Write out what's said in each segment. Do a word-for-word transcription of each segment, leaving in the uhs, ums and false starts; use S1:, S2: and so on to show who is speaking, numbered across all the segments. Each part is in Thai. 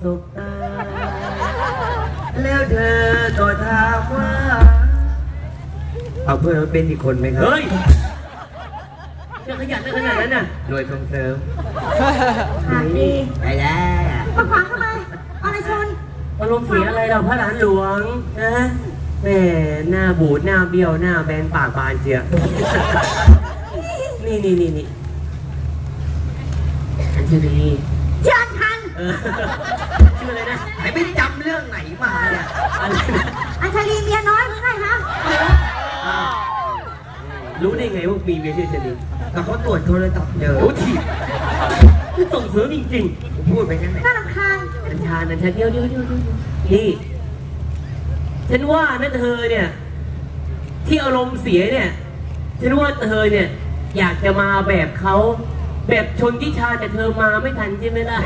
S1: สบตาแล้วเธอก็ถามว่าเอาเพื่อนเป็นอีกคนไหมครับเฮ้ยจะขยันได้ขนาดนั้นน่ะหน่วยส่งเสริม
S2: หากดี
S1: ไปแล้ว
S2: มาขวางทำไมอะไรชน
S1: อารมณ์เสียอะไรเราพระหลานหลวงนะแม่หน้าบูดหน้าเบี้ยวหน้าแบนปากบานเจียนี่นี่นี่นี่อัญชลี
S2: เชิญทัน
S1: ชื่ออะไรนะไหนไม่จำเรื่องไหนมาเนี่ยอะไรนะ
S2: อัญชลีเมียน้อยมึงไงฮะ
S1: รู้ได้ไงว่ามีเมียชื่ออัญชลีแต่เขาตรวจโทรศัพท์เจอโอ้ทีส่งเสริมจริงๆผมพูดไปแค่ไหน
S2: น่ารำคาญ
S1: อัญชาอัญชาเดียวเดียวเดียวนี่ฉันว่านะเธอเนี่ยที่อารมณ์เสียเนี่ยฉันว่าเธอเนี่ยอยากจะมาแบบเขาแบบชนทิชาแต่เธอมาไม่ทันใช่ไหมล่ะ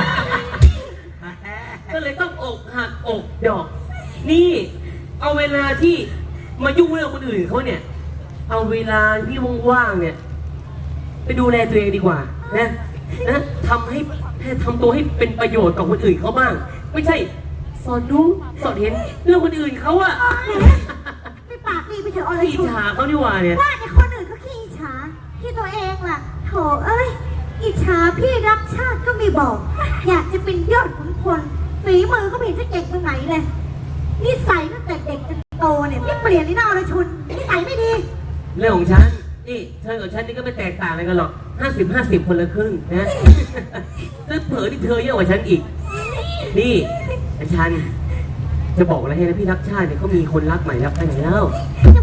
S1: ก็เลยต้องอกหักอกดอกนี่เอาเวลาที่มายุ่งเรื่องคนอื่นเขาเนี่ยเอาเวลาที่ว่างๆเนี่ยไปดูแลตัวเองดีกว่านะนะทำให้ทำตัวให้เป็นประโยชน์กับคนอื่นเขาบ้างไม่ใช่สอนรู้สอนเห็นเรื่องคนอื่นเขาอะ
S2: ไม่ปากดีไปเถอะอะไร
S1: อิจฉาเขาดีกว่าเนี่ย
S2: ว่าแต่คนอื่นเขาขี้อิจฉาที่ตัวเองล่ะโถเอ้ยอิจฉาพี่รักชาติก็ไม่บอกอยากจะเป็นยอดขุนพลฝีมือก็ไม่เห็นจะเก่งตรงไหนเลยนิสัยตั้งแต่เด็กจนโตเนี่ยไม่เปลี่ยนเลยนะอรชุนนิสัยไม่ดี
S1: เรื่องของฉันนี่เธอกับฉันนี่ก็ไม่แตกต่างอะไรกันหรอกห้าสิบห้าสิบคนละครึ่งนะแล้วเผลอที่เธอเยอะกว่าฉันอีกนี่ฉันจะบอกอะไรให้นะพี่รักชาติเนี่ยเขามีคนรักใหม่แล้วไปไหนแล้ว
S2: จะ